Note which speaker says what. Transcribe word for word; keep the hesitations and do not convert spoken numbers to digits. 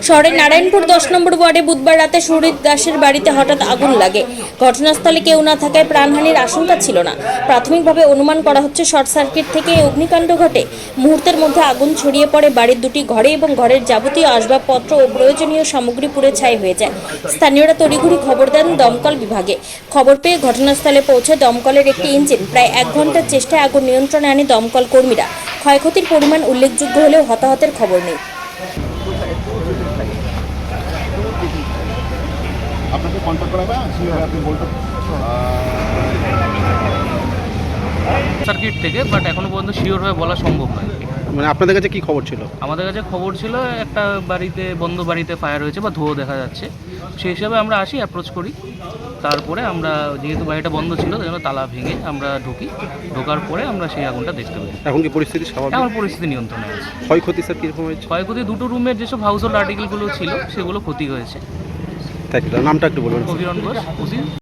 Speaker 1: শহরের নারায়ণপুর দশ নম্বর ওয়ার্ডে বুধবার রাতে সুরিত দাসের বাড়িতে হঠাৎ আগুন লাগে। ঘটনাস্থলে কেউ না থাকায় প্রাণহানির আশঙ্কা ছিল না। প্রাথমিকভাবে অনুমান করা হচ্ছে শর্ট সার্কিট থেকে এই অগ্নিকাণ্ড ঘটে। মুহূর্তের মধ্যে আগুন ছড়িয়ে পড়ে বাড়ির দুটি ঘরে এবং ঘরের যাবতীয় আসবাবপত্র ও প্রয়োজনীয় সামগ্রী পুড়ে ছাই হয়ে যায়। স্থানীয়রা তড়িঘড়ি খবর দেন দমকল বিভাগে। খবর পেয়ে ঘটনাস্থলে পৌঁছে দমকলের একটি ইঞ্জিন প্রায় এক ঘন্টার চেষ্টায় আগুন নিয়ন্ত্রণে আনে দমকল কর্মীরা। ক্ষয়ক্ষতির পরিমাণ উল্লেখযোগ্য হলেও হতাহতের খবর নেই।
Speaker 2: আপনাকে কন্ট্যাক্ট করা হবে, আপনি বলতে
Speaker 3: সার্কিট থেকে, বাট এখনো পর্যন্ত শিওরভাবে বলা সম্ভব নয়।
Speaker 4: মানে আপনাদের কাছে কি খবর ছিল?
Speaker 3: আমাদের কাছে খবর ছিল একটা বাড়িতে, বন্ধ বাড়িতে ফায়ার হয়েছে বা ধোঁয়া দেখা যাচ্ছে। সেই হিসাবে আমরা আসি, অ্যাপ্রোচ করি। তারপরে আমরা, যেহেতু বাড়িটা বন্ধ ছিল তাই জন্য তালা ভেঙে আমরা ঢুকি। ঢোকার পরে আমরা সেই আগুনটা দেখতে পাই।
Speaker 4: এখন কি পরিস্থিতি স্বাভাবিক?
Speaker 3: এখন পরিস্থিতি নিয়ন্ত্রণে আছে।
Speaker 4: ক্ষয়ক্ষতি স্যার কীরকম হয়েছে?
Speaker 3: ক্ষয়ক্ষতি দুটো রুমের যেসব হাউস হোল্ড আর্টিকেলগুলো ছিল সেগুলো ক্ষতি হয়েছে।
Speaker 4: তাই নামটা একটু বলবেন?
Speaker 3: অভিরণ ঘোষ, ওসি।